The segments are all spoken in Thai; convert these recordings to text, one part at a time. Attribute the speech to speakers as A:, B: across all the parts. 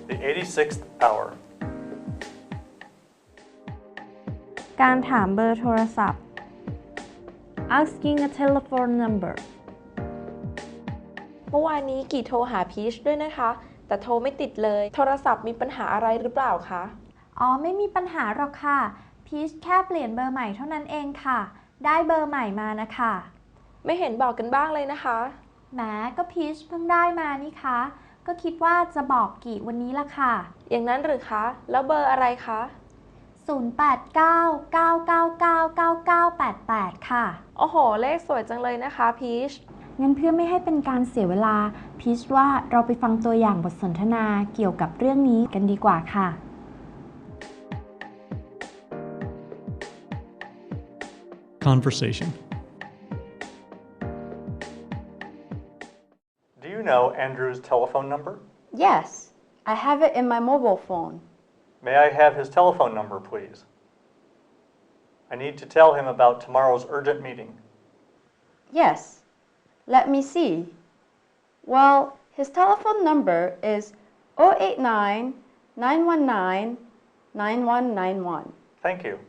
A: The 86th hour.
B: การถามเบอร์โทรศัพท์ asking a telephone number
C: เมื่อวานนี้กี่โทรหาพีชด้วยนะคะแต่โทรไม่ติดเลยโทรศัพท์มีปัญหาอะไรหรือเปล่าคะ
B: ไม่มีปัญหาหรอกค่ะพีชแค่เปลี่ยนเบอร์ใหม่เท่านั้นเองค่ะได้เบอร์ใหม่มานะคะ
C: ไม่เห็นบอกกันบ้างเลยนะคะ
B: แหมก็พีชเพิ่งได้มานี่คะก็คิดว่าจะบอกกี่วันนี้ละค่ะ
C: อย่างนั้นหรือคะแล้วเบอร์อะไรคะ
B: 0899999988ค่ะ
C: โอ้โหเลขสวยจังเลยนะคะพีช
B: งั้นเพื่อไม่ให้เป็นการเสียเวลาพีชว่าเราไปฟังตัวอย่างบทสนทนาเกี่ยวกับเรื่องนี้กันดีกว่าค่ะ
D: Conversation.
A: Do you know Andrew's telephone number?
E: Yes, I have it in my mobile phone.
A: May I have his telephone number, please? I need to tell him about tomorrow's urgent meeting.
E: Yes, let me see. Well, his telephone number is 089 919 9191.
A: Thank you.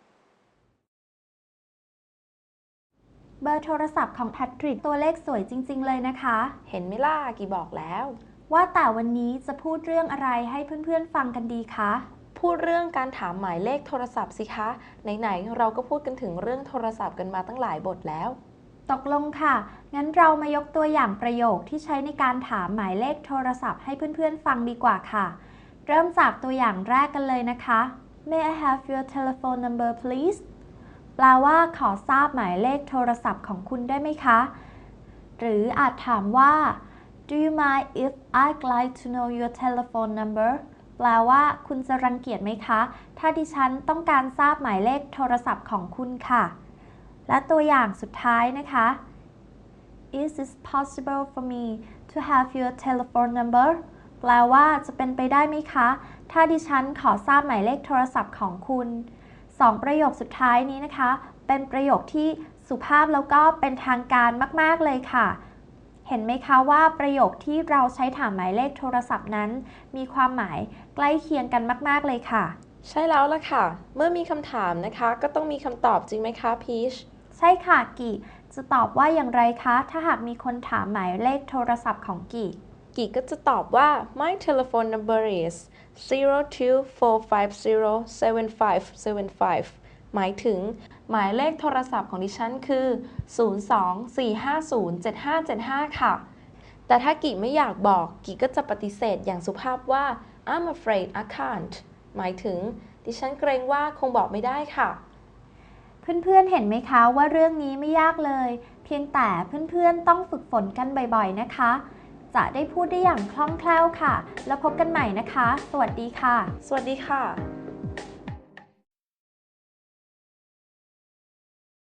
B: เบอร์โทรศัพท์ของแพทริกตัวเลขสวยจริงๆเลยนะคะ
C: เห็นไหมล่ะกี่บอกแล้ว
B: ว่าแต่วันนี้จะพูดเรื่องอะไรให้เพื่อนๆฟังกันดีคะ
C: พูดเรื่องการถามหมายเลขโทรศัพท์สิคะไหนๆเราก็พูดกันถึงเรื่องโทรศัพท์กันมาตั้งหลายบทแล้ว
B: ตกลงค่ะงั้นเรามายกตัวอย่างประโยคที่ใช้ในการถามหมายเลขโทรศัพท์ให้เพื่อนๆฟังดีกว่าค่ะเริ่มจากตัวอย่างแรกกันเลยนะคะ May I have your telephone number please แปลว่าขอทราบหมายเลขโทรศัพท์ของคุณได้ไหมคะหรืออาจถามว่า Do you mind if I'd like to know your telephone number แปลว่าคุณจะรังเกียจไหมคะถ้าดิฉันต้องการทราบหมายเลขโทรศัพท์ของคุณค่ะและตัวอย่างสุดท้ายนะคะ Is it possible for me to have your telephone number แปลว่าจะเป็นไปได้ไหมคะถ้าดิฉันขอทราบหมายเลขโทรศัพท์ของคุณ2ประโยคสุดท้ายนี้นะคะเป็นประโยคที่สุภาพแล้วก็เป็นทางการมากๆเลยค่ะเห็นไหมคะว่าประโยคที่เราใช้ถามหมายเลขโทรศัพท์นั้นมีความหมายใกล้เคียงกันมากๆเลยค่ะ
C: ใช่แล้วล่ะค่ะเมื่อมีคำถามนะคะก็ต้องมีคำตอบจริงไหมคะพีช
B: ใช่ค่ะกี่จะตอบว่าอย่างไรคะถ้าหากมีคนถามหมายเลขโทรศัพท์ของกี่
C: ก็จะตอบว่า My telephone number is 024507575 หมายถึงหมายเลขโทรศัพท์ของดิฉันคือ 024507575 ค่ะแต่ถ้ากี่ไม่อยากบอกกี่ก็จะปฏิเสธอย่างสุภาพว่า I'm afraid I can't หมายถึงดิฉันเกรงว่าคงบอกไม่ได้ค่ะ
B: เพื่อนๆเห็นไหมคะว่าเรื่องนี้ไม่ยากเลยเพียงแต่เพื่อนๆต้องฝึกฝนกันบ่อยๆนะคะจะได้พูดได้อย่างคล่องแคล่วค่ะแล้วพบกันใหม่นะคะสวัสดีค่ะ
C: สวัสดีค่ะ